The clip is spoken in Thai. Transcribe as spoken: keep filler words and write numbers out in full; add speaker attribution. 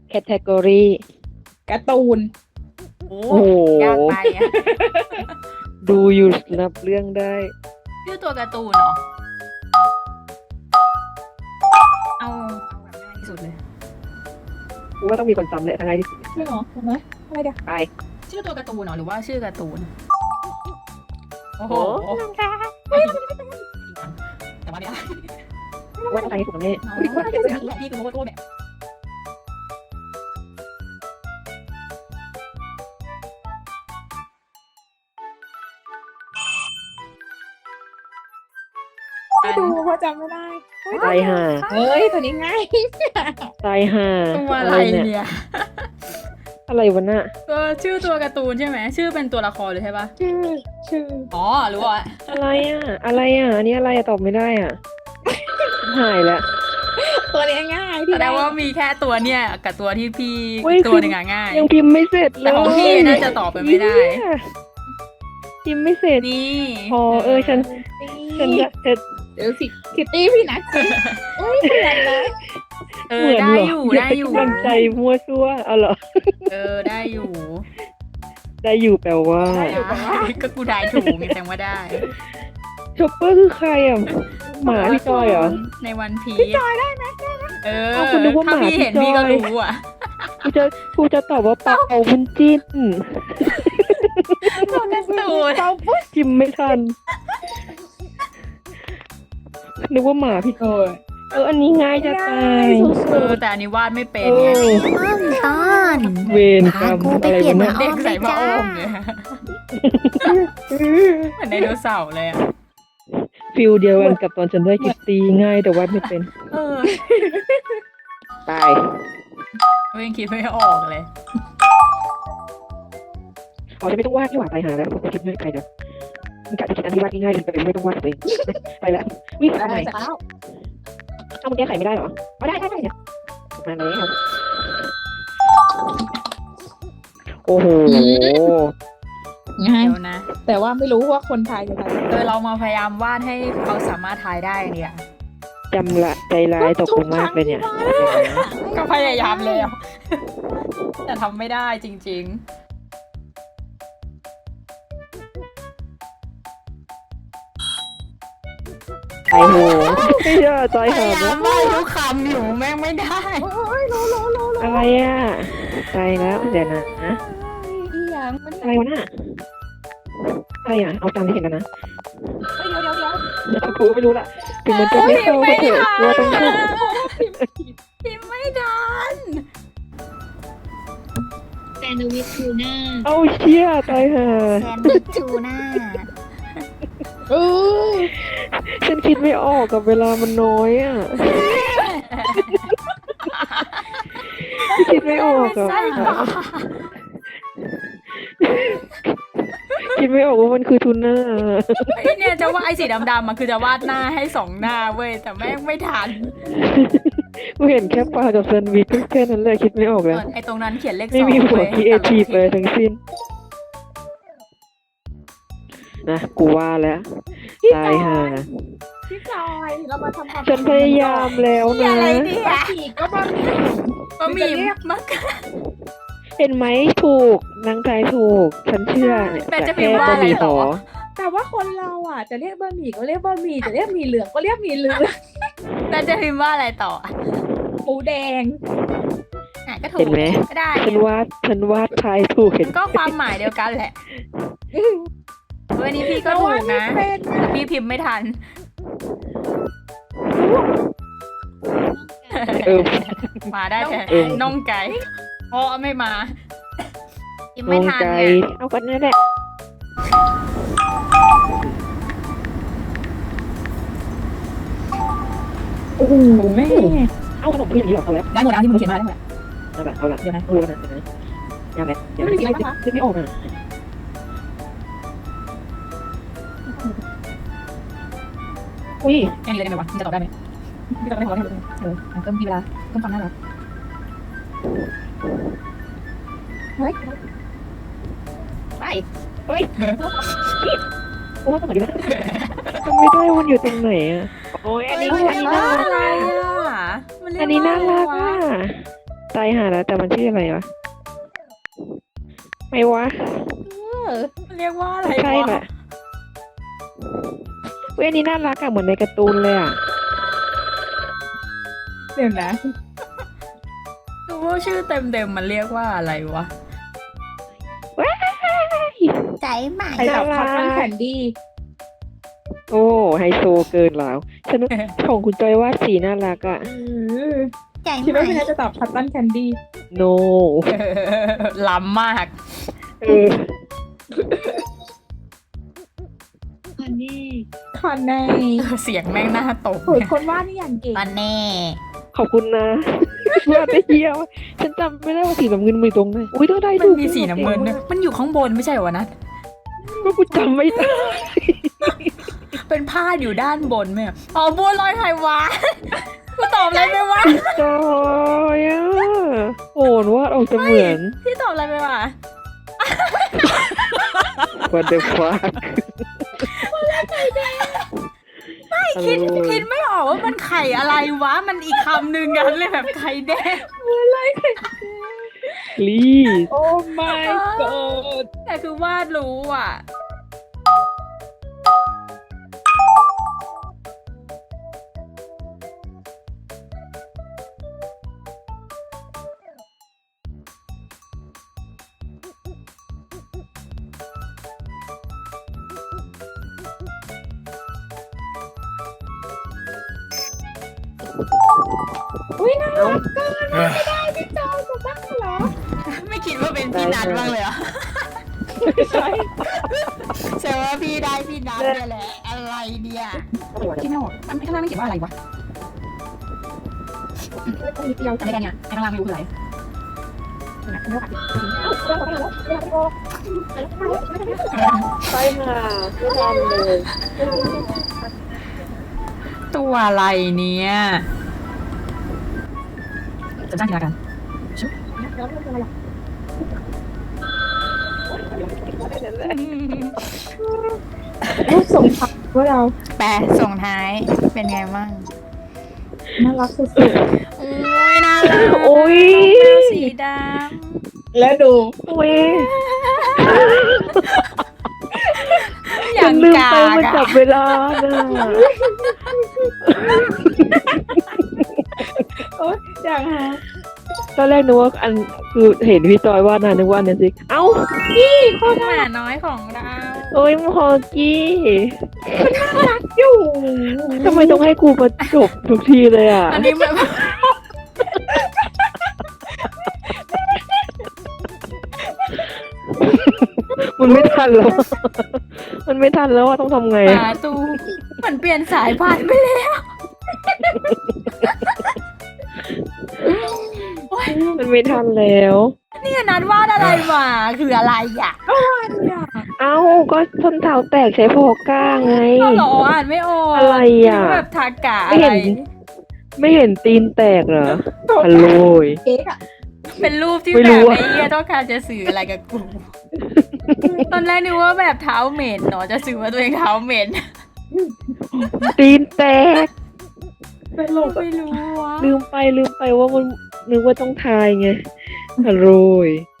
Speaker 1: แคตตากรี
Speaker 2: การ์ตูน
Speaker 3: โอ้
Speaker 1: โอ้โห
Speaker 3: ยากไปอะ
Speaker 1: ดูอยู่นับเรื่องได้
Speaker 3: ชื่อตัวการ์ตูนเหรอ เอาเอาแบบง่ายที่สุดเลย
Speaker 1: กูว่าต้องมีคนจำเลยทั้งไงที่
Speaker 2: ใช่หรอถูกไหมอะไรเดี๋ยว
Speaker 1: ไป
Speaker 3: ชื่อตัวการ์ตูนเหรอหรือว่าชื่อการ์ตูน โอ้โห
Speaker 1: โอ้
Speaker 3: แต่ว่าไม่ได้
Speaker 1: ว่าต้องทางให้ถูกกันแน่
Speaker 3: ว่าจะเป็นพี่คือโมโต้แบบ
Speaker 2: ไม่ดูเพราะจำไม่ได้เฮ้ย
Speaker 1: ตายห่า
Speaker 2: เฮ้ยตัวนี้ง่าย
Speaker 1: ตายห่า
Speaker 3: ตัวอะไร
Speaker 1: เนี่ย
Speaker 3: เนี่ย
Speaker 1: อะไรวะน่ะ
Speaker 3: ตัวชื่อตัวการ์ตูนใช่ไหมชื่อเป็นตัวละครเลยใช่ปะ
Speaker 2: ชื่อชื่อ
Speaker 3: อ๋อหรือว่า
Speaker 1: อะไรอ่ะ อะไรอ่ะ อันนี้อะไรอ่ะตอบไม่ได้อ่ะ หายแล้ว
Speaker 2: ตัวนี้ง่าย
Speaker 3: แส
Speaker 2: ที่
Speaker 3: ด
Speaker 2: ได้
Speaker 3: งว่ามีแค่ตัวเนี่ยกับตัวที่พี่
Speaker 1: เว้ย
Speaker 3: ตัวหนึ่งอะง่าย
Speaker 1: ยังพิมพ์ไม่เสร็จเลย
Speaker 3: แต่ของพี่น่าจะตอบไปไม่ได้
Speaker 1: เหี้ยพิมพ์ไม่เสร็จ
Speaker 3: นี่
Speaker 1: พอเออฉัน ฉัน
Speaker 2: นี่
Speaker 1: จะเสร็จ
Speaker 2: เดี๋ยวสิคิตตี้พี่นัทสิเอ้ยเหมือนนะ
Speaker 3: เอ
Speaker 1: เห
Speaker 3: อ
Speaker 1: มือน
Speaker 3: ได้
Speaker 1: เหรอ
Speaker 3: อยู่
Speaker 1: อย่า
Speaker 3: ได้
Speaker 1: ไป
Speaker 3: อยู่
Speaker 1: กำลังใจมั่วซั่วเอาเหรอ
Speaker 3: เออได้อยู่
Speaker 1: ได้อยู่แปลว่า
Speaker 3: ก็กูได้ถูกไงแสดงว่าได้
Speaker 1: ชอปเปอร์คือใครอ่ะ หมาพี่จอยเหรอ
Speaker 3: ในวันพี
Speaker 2: พี่จอยได้ไหม
Speaker 3: เออ
Speaker 1: เอาคุณนึกว่า
Speaker 3: ถ้า
Speaker 1: หมา
Speaker 3: พี่เห็น
Speaker 1: พี่
Speaker 3: พี่
Speaker 1: จ
Speaker 3: ก็
Speaker 1: อย
Speaker 3: รู้อ่ะ
Speaker 1: กูจะกูจะตอบว่าเป่าบุญจิ้น
Speaker 3: ตัวการ์ตูน
Speaker 2: เราปุ๊บ
Speaker 1: พิมพ์ไม่ทัน นึกว่าหมาพี่
Speaker 2: เออ
Speaker 1: เอออันนี้ง่ายจะตาย
Speaker 3: เออแต่อันนี้วาดไม่เป็น
Speaker 1: เอ
Speaker 3: ไง
Speaker 1: อ
Speaker 4: ต้นต้น
Speaker 1: เวรกรรม
Speaker 4: พากูไป
Speaker 1: อะไร
Speaker 4: เปลี่ยน
Speaker 1: วะ
Speaker 4: มา
Speaker 1: เนี่ย
Speaker 3: เด็กใส่ผ้าอ้อมเนี่ยเหมือนไดโนเสาร์เลยอ่ะ
Speaker 1: ฟิลเดียวกันกับตอนฉันได้คิตตี้ง่ายแต่วาดไม่เป็น
Speaker 3: เออ
Speaker 1: ตาย
Speaker 3: เว้ยยังคิดไม่ออกเลย
Speaker 1: อ๋อจะไม่ต้องวาดที่หว่าตายหาแล้วผมคิดไม่ใครนะมันกะจะคิดอันที่วาดง่ายๆเลยแต่เป็นไม่ต้องวาดตัวเองไปแล้ววิ่ง
Speaker 2: ได้
Speaker 1: ทำไม
Speaker 2: เสร็จแล้ว
Speaker 1: เอามันแก้ไขไม่ได้เหรออ๋อได้ได้ได้เนี่ยมาแล้วโอ้โห
Speaker 2: ง่าย
Speaker 3: เดี๋ยวนะ
Speaker 2: แต่ว่าไม่รู้ว่าคนไทยจะทำ
Speaker 3: เออเรามาพยายามวาดให้เขาสามารถทายได้เนี่ย
Speaker 1: จำละใจร้ายต่อกูมากเลยเนี่ย
Speaker 3: ก็พยายามแล้ว แต่ทำไม่ได้จริง
Speaker 1: ไอ้โหไม่เชื่อใจ
Speaker 3: ๆ พ
Speaker 1: หาย
Speaker 3: ายา
Speaker 1: แล้
Speaker 3: ม
Speaker 1: ว
Speaker 3: วาดทุกคำอยู่แม่งไม่ได้
Speaker 2: โอ้ยรู้รู้รู้รู้
Speaker 1: อะไรอ่ะใจแล้วเดี๋ยวนะ
Speaker 2: อีหยังมัน
Speaker 1: อะไรวะน่ะอะไรอ่ะเอาตามที่เห็นกันนะ
Speaker 2: เฮ้ยเดี๋ยวเดี๋ยวเดี๋ยว
Speaker 1: เดี๋ยวกูไม่รู้ละถึงมันจะไม่เข้าก็เถอะว่าต้องเข้า
Speaker 3: พิมพ์ไม่ทัน
Speaker 4: แซนด์วิชทูน่า
Speaker 1: เอาเชี่ยตายห่า
Speaker 4: แซนด์วิชทูน่า
Speaker 2: เออ
Speaker 1: ฉันคิดไม่ออกกับเวลามันน้อยอ่ะคิดไม่ออกอ่ะ
Speaker 3: ไส้กรอก
Speaker 1: คิดไม่ออกว่ามันคือทูน่า
Speaker 3: ไอเนี่ยจะว่าดไอสีดำๆมันคือจะวาดหน้าให้สองหน้าเว้ยแต่แม่งไม่ทัน
Speaker 1: กูเห็นแค่ปลากับแซนด์วิชแค่นั้นเลยคิดไม่ออกแล้ว
Speaker 3: ไอตรงนั้นเขียนเลขสอง
Speaker 1: ไม่มีหัว
Speaker 3: เว้ย
Speaker 1: ครีเอทีฟเลยทั้งสิ้นนะกูว่าแล้ว
Speaker 2: พี่
Speaker 1: ตา
Speaker 2: จอย ย
Speaker 1: ห่า
Speaker 2: พี่จอยเรามาทำความ
Speaker 1: ฉันพยายามแล้ว
Speaker 3: นี่
Speaker 1: นะ
Speaker 3: อะไรเนี่ย
Speaker 2: บะหมี่ก็บะหมี่
Speaker 3: บะหมี่มัก
Speaker 1: เห็นไหมถูกนางทายถูก ฉันเชื่อเนี่ย
Speaker 3: แต่จะ
Speaker 1: แค่
Speaker 3: พิมพ์ว่า
Speaker 1: บะ
Speaker 3: อะไร
Speaker 1: หมี่ห
Speaker 3: ต่อ
Speaker 1: อ
Speaker 2: แต่ว่าคนเราอ่ะจะเรียกบะหมี่ก็เรียกบะหมี่จะเรียกหมี่เหลืองก็เรียกหมี่เหลือง
Speaker 3: แต่จะพิมพ์ว่าอะไรต่อ
Speaker 2: หมูแดง
Speaker 3: อ่ะก็ถู
Speaker 1: เห็
Speaker 3: ก
Speaker 1: นไหม
Speaker 3: ก็ได้
Speaker 1: ฉันวาดฉันวาดทายถูกเห็น
Speaker 3: ก็ความหมายเดียวกันแหละวันนี้พี่ก็ถูกนะ
Speaker 2: เป็น
Speaker 3: แต่พี่พิมพ์ไม่ทัน
Speaker 1: เออ
Speaker 3: มาได้แค่
Speaker 1: เออ
Speaker 3: น่องไก่เพราะไม่มาพิมพ์
Speaker 1: ม
Speaker 3: ไม่
Speaker 1: อง
Speaker 3: ทัน
Speaker 1: ใจ
Speaker 3: เนี่ย
Speaker 1: เอากันนั่นแหละโอ้โหแม่เอาขนมเพื่อนอย่างนี้หรอเอาแล้ว
Speaker 2: ได้หมดแล้วที่มึงเขียนมาได้หมด
Speaker 1: เอาละเอาละ
Speaker 2: เดี๋ยวนะ
Speaker 1: รู้แล้วนะเดี๋ยวนะยังไงยังไง
Speaker 2: ไม่มีอะไรปะคะ
Speaker 1: คิดไม่ออกอ่ะอุ้ย
Speaker 2: แค่นี้เลยได้ไหมวะมึงจะตอบได้ไหมพี่ตอบได้พอได้เออเพิ่มพี่เวลาเพิ่มความน่ารักเฮ้ย
Speaker 1: ไปเฮ้ยโอ้ยสมัยนี้ทำไม่ได้มันอยู่ตรงไหนอ่ะโอ้ยอันนี้
Speaker 3: เฮ้ย
Speaker 1: อันนี้น่ารัก
Speaker 3: อะไรอ่ะมัเรียก
Speaker 1: อันนี้น่ารัก
Speaker 3: ว่
Speaker 1: อ่ะ
Speaker 3: อ
Speaker 1: ตายหาแล้วแต่มันชื่ออะไรวะไม่วะ
Speaker 2: เออ
Speaker 3: เรียกว่าอะไร
Speaker 1: ใช่แห
Speaker 3: วะ
Speaker 1: ละเว้ยอันนี้น่ารักอะเหมือนในการ์ตูนเลยอะ
Speaker 2: เดี๋ยวนะ
Speaker 3: ดูว่าชื่อเต็มๆมันเรียกว่าอะไรวะ
Speaker 1: ว้าย
Speaker 4: ใจใหม่
Speaker 2: ใครตอบคัตตันแคนดี้
Speaker 1: โอ้ไฮโซเกินแล้วฉันของคุณจอยวาดสีน่ารักอะ
Speaker 4: ใจ
Speaker 2: คิด
Speaker 4: ให
Speaker 2: ว่า
Speaker 4: ม่
Speaker 2: พี่น่าจะตอบคัตตันแคนดี้
Speaker 1: no
Speaker 3: ล้ำมาก
Speaker 1: เออ
Speaker 4: คอนเน่
Speaker 2: คอนแน่
Speaker 3: เสียงแม่งหน้าตก
Speaker 2: โอ้ยคนวาดนี่อย่างเก่ง
Speaker 4: คอนเน่
Speaker 1: ขอบคุณนะวาดได้เยี่ยมฉันจำไม่ได้ว่าสีน้ำเงินมีตรงไหนอุ้ยต้องได้
Speaker 3: มัน
Speaker 1: ดู
Speaker 3: มีสีน้ำเงินด้วยมันอยู่ข้างบนไม่ใช่เหรอวะนัท
Speaker 1: ก็กูจำไม่ได้
Speaker 3: เป็นผ้าอยู่ด้านบนไหมอะอ๋อบัวลอยไข่หวานกูตอบอะไรไปวะ
Speaker 1: จอยอะโหนวาดออกจะเหมือน
Speaker 3: พี่ตอบอะไรไปวะ
Speaker 1: What the fuck
Speaker 3: คิดคิดไม่ออกว่ามันไข่อะไรวะ มันอีกคำหนึ่งกันเลยแบบไข่แดง
Speaker 1: please
Speaker 2: โอ้ my god
Speaker 3: แต่คือวาดรู้อ่ะ
Speaker 2: อุ้ยน่ารักเกินไม่ได้พี่จอยจะบ้าเหรอ
Speaker 3: ไม่คิดว่าเป็นพี่นัทบ้างเลยเหรอ่ะ
Speaker 2: ไม่ใช่
Speaker 3: เชื่อว่าพี่ได้พี่นัทเนี่ยแหละ อะไรเนี่ยคิดไม่ออกมันข้างล่างไม่เขียนว่าอะไรวะ
Speaker 2: นิดเดียว
Speaker 3: อะไรกันเนี่ยไอ้ข้างล่างไม่รู้คืออะไร
Speaker 1: ไปค่ะไม่ทันเลย
Speaker 3: ตัวอะไรเนี่ยจะจ้างกีฬากัน
Speaker 2: รูปส่งทักพวกเรา
Speaker 3: แปะส่งท้ายเป็นไงบ้าง
Speaker 2: น่ารักสุด
Speaker 3: โอ้ยน่ารัก
Speaker 1: โอ้ย
Speaker 3: สีด
Speaker 2: ๆแล้วดู
Speaker 1: โอ้ย
Speaker 3: ำอ
Speaker 1: ฉั
Speaker 3: ย่าน ง
Speaker 1: ลืม
Speaker 3: กา
Speaker 1: ไป
Speaker 3: ก
Speaker 1: มัน
Speaker 3: อะ
Speaker 1: จับเวลาน่ะ
Speaker 2: โอ๊ยอย่างฮะ
Speaker 1: ตอนแรกนึกว่าอันคือเห็นพี่จอยวาดนะนึกว่าอันนั้นสิเอ้า
Speaker 3: หมาน้อยของเรา
Speaker 1: โอ้ยมอกี้
Speaker 2: อยู่
Speaker 1: ทำไมต้องให้กูมาจบทุกทีเลยอ่ะ
Speaker 3: อันนี้แบบ
Speaker 1: มันไม่ทันแล้ว มันไม่ทันแล้วว่าต้องทำไง
Speaker 3: หมาตูเหมือนเปลี่ยนสายพันธุ์ไปแล้ว
Speaker 1: มันไม่ทันแล้ว
Speaker 3: นี่นัดวาดอะไรมาคืออะไรอ่ะ
Speaker 1: เอ้าก็ส้นเท้าแตกใช้พอก้าไง
Speaker 3: ก็หรออ่านไม่ออก
Speaker 1: อะไรอ่ะ
Speaker 3: นึกว่าแบบทากะ
Speaker 1: ไม่
Speaker 3: อะไร
Speaker 1: เห็น ไม่เห็นตีนแตกเหรอฮัลโหลย
Speaker 2: เก๊กอะ
Speaker 3: เป็นรูปที่
Speaker 1: ไม่
Speaker 3: แบ
Speaker 1: รู้
Speaker 3: บ
Speaker 1: อะ
Speaker 3: ไอ้เหี้ยต้องการจะสื่ออะไรกับกู ตอนแรกนึกว่าแบบเท้าเหม็นเนาะจะสื่อว่าตัวเองเท้าเหม็น
Speaker 1: ตีนแตก
Speaker 2: เป็นลม
Speaker 3: ไม่รู้วะ
Speaker 1: ลืมไปลืมไปว่ามันนึกว่าต้องทายไงฮัลโหลย